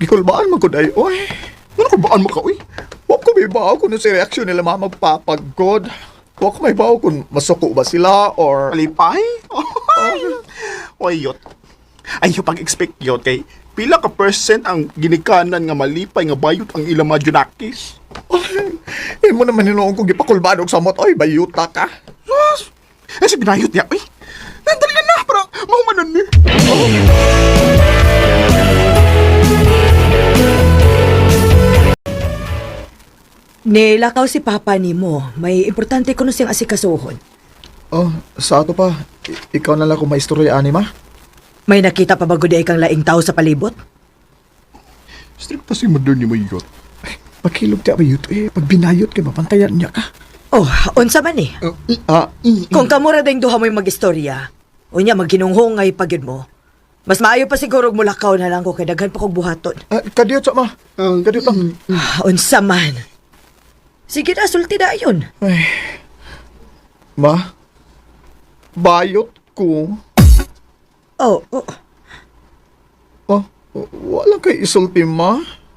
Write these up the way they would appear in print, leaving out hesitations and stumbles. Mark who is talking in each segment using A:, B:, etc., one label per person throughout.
A: Gikulbaan mo ko day, oy. Ano kulbaan mo ka, oy? Huwag ko may bawa kung si reaksyon nila mga magpapagod. Huwag ko may bawa kung masuko ba sila or...
B: Malipay? Oy, yot. Ay, yung pag-expect yot kay pila ka percent ang ginikanan nga malipay nga bayot ang ilang mga junakis.
A: Eh mo naman hinuong kong gipakulbaan og samot, oy, bayuta ka.
B: Yes. Eh, si binayot niya, oy. Nandali na para mahumanan ni.
C: Nilakaw si Papa nimo. May importante ko siyang asikasuhon.
A: Oh, sa ato pa, ikaw na lang kung maistorya, Anima.
C: May nakita pa ba gud kang laing tao sa palibot?
B: Stricta si mother ni mo yot.
A: Pagkilog ti abayot, pag binayot kay mapantayan niya ka.
C: Oh, unsa man eh. Kung kamura ding duha mo'y mag-istorya, unya magginunghongay pagid mo. Mas maayo pa siguro mulakaw na lang ko kay daghan pa kog buhaton.
A: Kadiyot sa ma. Kadiyot lang.
C: Unsa man. Sige na, sulti na yun.
A: Ay. Ma, bayot ko.
C: Oh.
A: Oh, wala kay isulti, ma.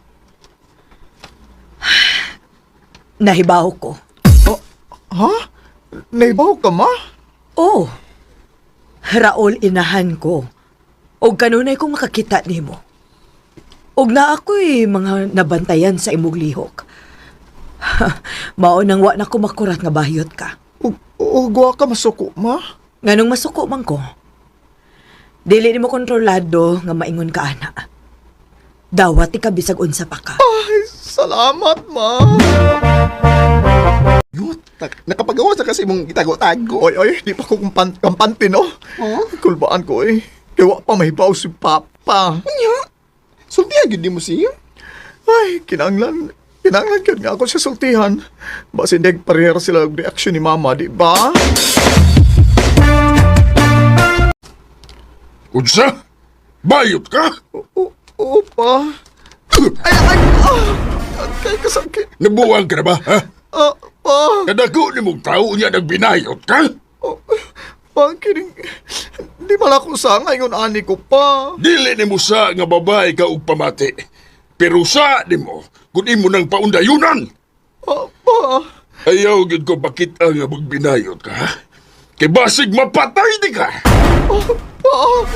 C: Nahibaw ko.
A: Ha? Naibaw ka, ma?
C: Oh. Raol, inahan ko. Og kanunay kong makakita nimo. Og na ako'y mga nabantayan sa imong lihok. Mao nang wa na ko makurat nga bahiyot ka.
A: Ugwa ka masuko, ma?
C: Nganong masuko man ko? Dili nimo kontrolado nga maingon ka ana. Dawat ka bisag unsa pa ka.
A: Ay, salamat, ma.
B: Yot, nakapagawa sa kasi mong itago-tago.
A: Oy, di pa ko kampante, no?
B: Oh?
A: Kulbaan ko, Kaya wa pa mahibaw si Papa.
B: Anya? Sultihan yun di mo siya?
A: Ay, kinanglan ka nga ako sa sultihan. Basi hindi parehera sila ang reaksyon ni Mama, di ba?
D: Unsa? Bayot ka?
A: Opa. Kay kasakit.
D: Nabuwang ka na ba, ha?
A: Pa.
D: Kadako ni mong tao niya nagbinayot ka?
A: Kining, di mala ko sa ngayon ani ko pa.
D: Dili ni mo sa nga babae ka og pamati. Pero sa di mo, kung imo nang paundayunan.
A: Pa.
D: Ayaw gid ko pakita nga magbinayot ka, ha? Kay basig mapatay di ka.
A: Pa.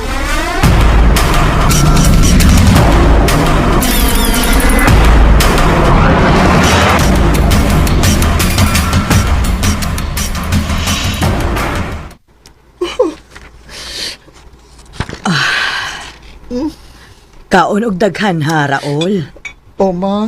C: Kaon og daghan ha, Raol.
A: O, ma.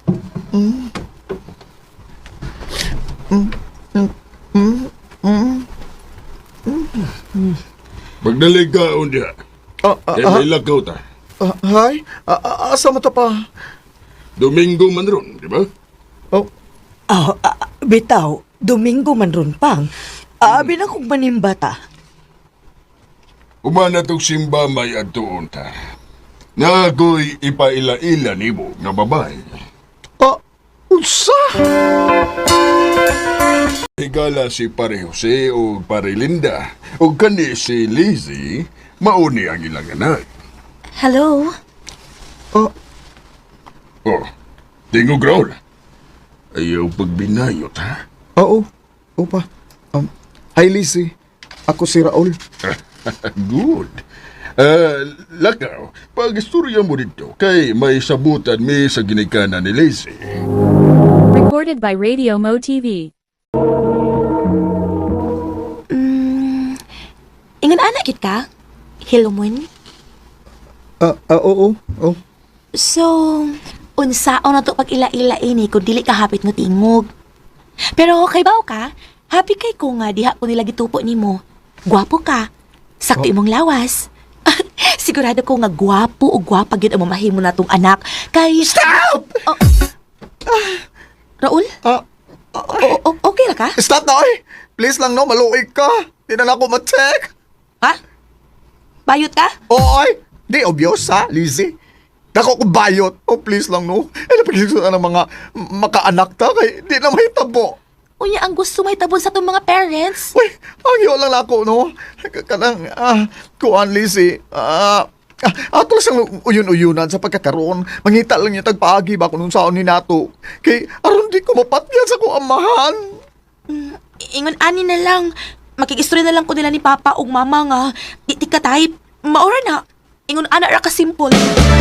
D: Magdalig ka unya. Kay may lakaw ta.
A: Hay? Asa mo ta pa?
D: Domingo man ron, di ba?
A: Oh,
C: Bitaw, Domingo man ron pang. Abi na kong manimbata.
D: Umana tong simba may adtuon ta. Nga ako'y ipaila-ila ni mo nga babae.
A: unsa?
D: Higala si Pare Jose o Pare Linda o kani si Lizzie, mauni ang ilang anak.
E: Hello?
D: Oh, tingog Raul. Ayaw pagbinayot, ha?
A: Oo. Opa. Hi, Lizzie. Ako si Raul.
D: Good. Lakaw, pag-istorya mo dito, kay may sabutan mi sa ginikanan ni Lizzie.
F: Recorded by Radio Mo TV.
E: Ingon anak gid ka? Hilomon?
A: Oo. Oh.
E: So, unsaon na to pag ila-ila ini kung dili ka hapit mo tingog. Pero kay baw ka, happy kay ko nga diha ko nila gitupo nimo. Gwapo ka. Sakto imong lawas. Sigurado ko nga gwapo o gwapa gyud ang mamahimo natong anak. Kay
A: Stop!
E: Raul? Okay ra ka?
A: Stop na, oy! Please lang, no. Maluig ka. Di na ako ma-check.
E: Ha? Bayot ka?
A: Oy! Di obvious, ha, Lizzie? Dako ko bayot. Oh, please lang, no. Napagigil ng mga makaanak ta. Kay di na may tabo.
E: Unya ang gusto may tabon sa tong mga parents.
A: Uy, ang iyo lang ako, no? Kanang, kuan, Lizzie. Ato Mura sang uyon-uyonan sa pagkakaroon. Mangita lang niya tagpaagi ba kung saan ni nato. Kay aron di ko mapatyan sa kong amahan.
E: Ingon ani na lang. Makikistorya na lang ko nila ni Papa ug Mama nga. Di ka type. Maura na. Ingon ana ra ka simple.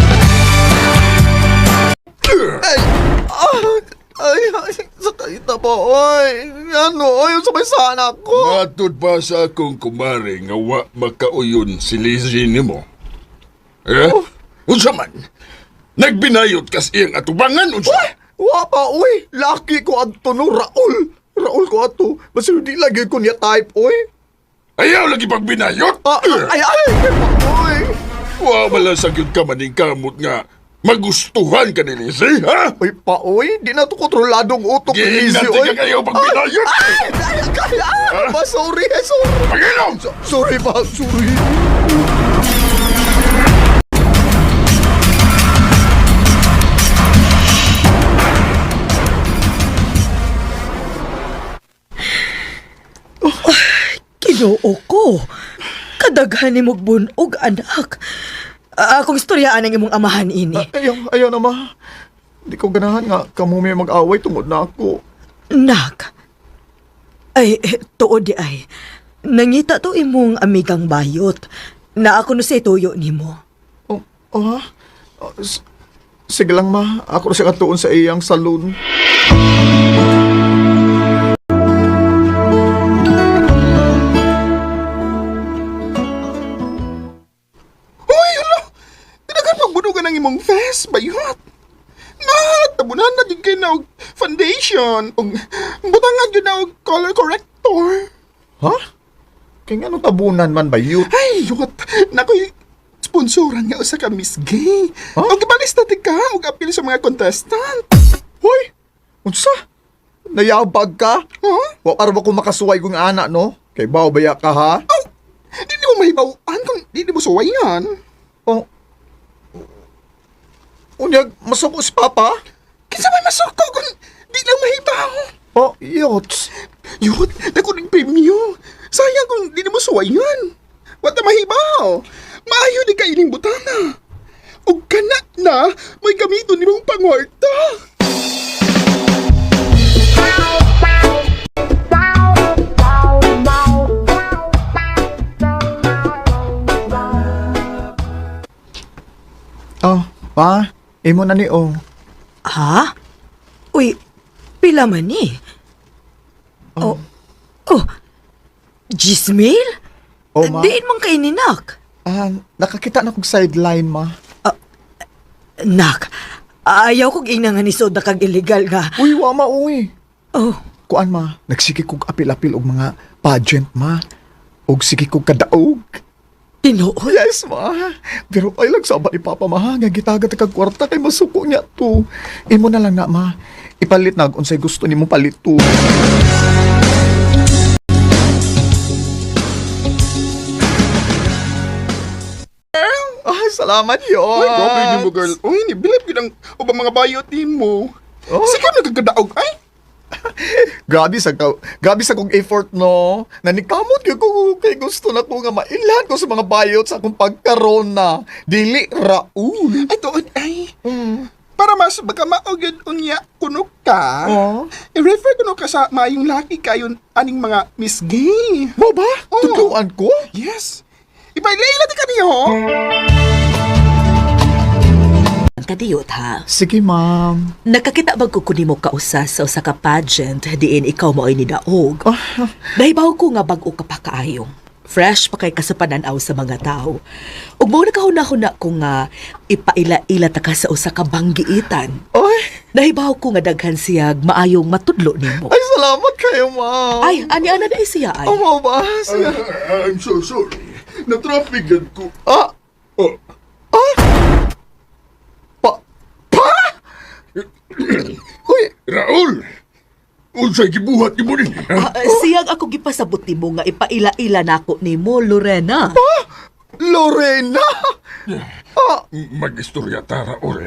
A: Ay, sakit na po, oy. Ano, oy, sabay sana ako.
D: Matod pa sa akong kumare nga wa makauyon si Lizzie nimo. Eh? Unsa man? Nagbinayot kas iyang atubangan unsa?
A: Wa pa, oy. Laki ko adto no, Raul. Raul ko ato. Basta di lagi ko niya type, oy.
D: Ayaw lagi pagbinayot?
A: Ay, oy.
D: Wa bala sa gyud ka maning kamot nga magustuhan ka ni Lizzie, ha?
A: Oy, pa, oy. Di na to kontroladong utok ni Lizzie,
D: Gihinati
A: oy.
D: ka kayo pagbinayot!
A: Ba, sorry, sorry.
D: Pag-inom!
A: Sorry ba, sorry.
C: Ginoo ko. Kadaghan ni mong bunog, anak. Akong istoryaan ang imong amahan ini.
A: Ayaw na, ma. Di ko ganahan nga kamo may mag-away tungod na ako.
C: Nak. Ay, tuod di ay. Nangita to imong amigang bayot. Na ako no say tuyo nimo.
A: Ha? Sige lang, ma. Ako na siya katuon sa iyang saloon.
B: Uy, ala! Tinagan magbunugan ng imong vest, bayot. Tabunan na din kayo na og foundation. Og butangan yun na og color corrector.
A: Ha? Kaya nga tabunan man ba yun?
B: Ay, yot. Nakoy sponsoran nga usa ka Miss Gay.
A: Huh?
B: Og ibalis na ka og appeal sa mga contestant.
A: Hoy! Unsa? Nayabag ka?
B: Huh?
A: Wa para ba kung makasuway kong anak, no? Kay bawbaya ka, ha?
B: Oh, di mo mahibawaan kung di mo suwayan.
A: Oh. Unyag, masuko si Papa?
B: Kinsa may masuko kung di lang mahibaw.
A: Oh, yots.
B: Yot, dako ng premyo. Sayang kung di mo suwayan. Wata mahibaw. Maayo di ka ining butana. Og kana na, may gamiton ni mong pangwarta.
A: Oh, pa, imo na ni oh.
C: Ha? Uy, pila man ni? Oh. Gismail?
A: Oh, ma.
C: Diin man kay ni Nak.
A: Nakakita na kong sideline, ma.
C: Nak, ayaw kong inangan ni Soda kag illegal nga.
A: Uy, wa ma, uy.
C: Oh,
A: Kuan, ma, nagsiki kong apil-apil og mga pageant, ma. Og sige kong kadaog.
C: tinuod.
A: Yes, ma. Pero ay lang sabat ni Papa, ma. Nga gitagat kag kwarta kay masuko niya to. Imo na lang na, ma. Ipalit na kung sa'y gusto ni mo palit to. Salamat yun.
B: Uy, grabe ni mo, girl. Uy, nibilip ko ng ubang mga bayot ni mo.
A: Oh.
B: Sige, nagkagadaog. Ay,
A: Grabe sa kong effort, no? Nanikamot ko kay gusto na ko nga mailan ko sa mga bayot sa akong pagkaroon na. Dili, Raul.
B: ay, tuon, ay. Para mas baka maugid unya kuno ka.
A: Oh.
B: I-refer kuno ka sa mayong laki kayon aning mga Miss Gay.
A: Mo ba?
B: Oh.
A: Tutuan ko?
B: Yes. Ipailay di kaniyo, ho?
C: Kadiyot ha.
A: Sige, ma'am.
C: Nakakita bag ko kunin mo kausas sa usa ka pageant diin ikaw mo ay nidaog.
A: Ah,
C: Nahibaw ko nga bag-o ka pa kaayong. Fresh pa kay kasapananaw sa mga tao. Ug mo nakahuna-huna ko nga ipaila-ila ta ka sa usa ka banggiitan.
A: ay,
C: Nahibaw ko nga daghan siyag maayong matudlo nimo.
A: ay, salamat kayo, ma'am.
C: Ay, ani-ana na siya ay.
A: Oh, mo ba? Siya.
D: I'm so sorry. Na-traffic ko.
A: Ah,
D: Oh,
A: uy,
D: Raul! Unsay gibuhat ni mo rin, ha?
C: Siyag ako gipasabot nimo nga ipaila-ila nako nimo, Lorena.
A: Lorena!
D: Mag-istorya ta, Raul.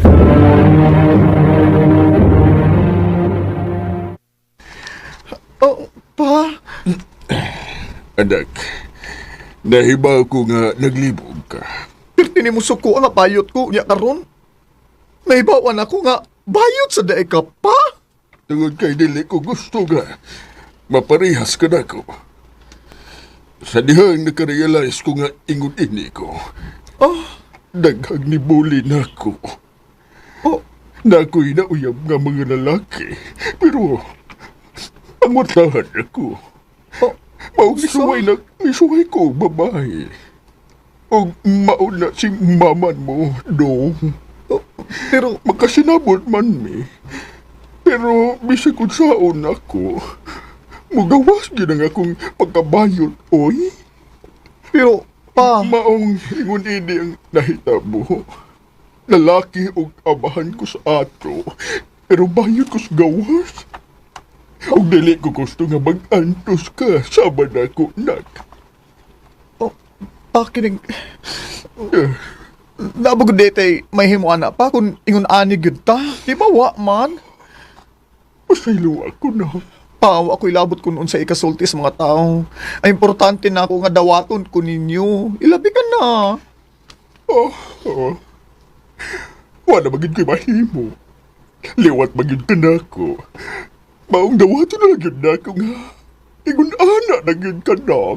A: Oh, pa.
D: Anak, nahibaw ko nga naglibog ka.
A: Pero kini mo suko nga bayot ko niya karon. Nahibawan ako nga bayot sa daig ka pa.
D: Tungod kay dili ko gusto nga maparihas ka na ko. Sa dihang nakarealize ko nga ingon ini ko, daghang nibuli na ko.
A: Oh,
D: Na ako'y nauyab nga mga lalaki. Pero, pangwatahan ako.
A: oh,
D: Maugisuway na, misuway ko babae. O mauna si maman mo, dong.
A: pero
D: Makasinabot man mi. Pero, bisag kung saon ako, mugawas ginang akong pagkabayot, oy.
A: pero pa,
D: Maong ingon ini ang nahitabo. Lalaki og abahan ko sa ato, pero bayot ko sa gawas. Og dili ko gusto nga mag-antos ka, sabad ako, nak.
A: pa kining
D: Eh,
A: nabog dete may himuan na pa kung ingon ani gyud ta. Di ba wa man?
D: Pasaylo ako na.
A: Pawa ako ilabot ko noon sa ikasulti sa mga tao. Ay importante na ako nga dawaton ko ninyo. Ilabi ka na.
D: Oh. Wala magid ko'y mahimo. Liwat magid ka na ako. Maong dawato na lang yun na ako nga. Ingon ana na yun ka na.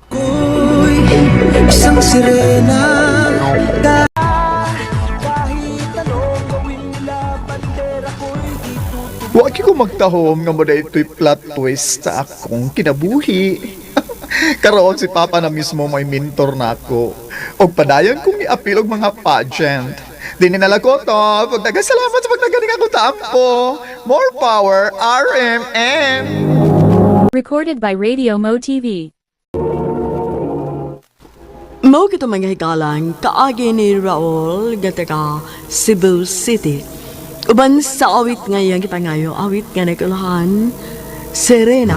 A: Wa ko magtahom nga mo ito'y plot twist sa akong kinabuhi. Karoon si Papa na mismo may mentor na ako. Og padayon kong i-appeal og mga pageant. Di ninala ko to. Pagdagasalamat sa pagdagaling ako tampo. More power, RMM!
F: Recorded by Radio Mo TV.
G: Mao kito mga hikalang kaagi ni Raul gataka Cebu City. Uban sa awit ngayon kita ngayon, awit nga nagkulahan, Serena.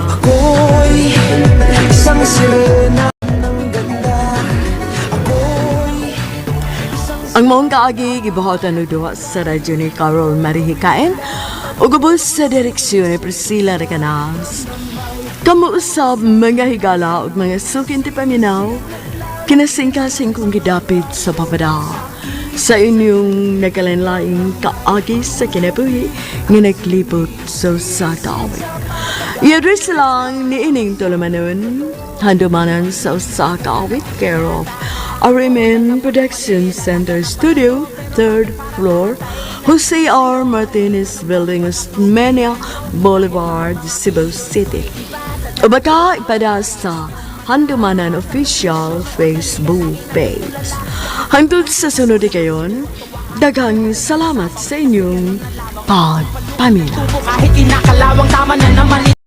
G: Ang maong kaagi gibuhatan no duha sa radyo ni Carol Marihikain ug ubos sa direksyon ni Priscilla Recanas. Kamu usab mga higala ug mga sukin ti paminaw, kinasingkasing kong gidapit sa papada sa inyong nagkalanlaing kaagi sa kinabuhi nga naglibot sa kaawit. I-address lang ni ining tulumanon, handumanan sa usa kaawit care of RMN Production Center Studio, 3rd floor, Jose R. Martinez Building, Osmeña Boulevard, Cebu City. O baka ipada sa Handumanan Official Facebook page. Hangtod sa sunod kayon, daghang salamat sa inyong pagpamilya.
H: Kahit kinakalawang tama na naman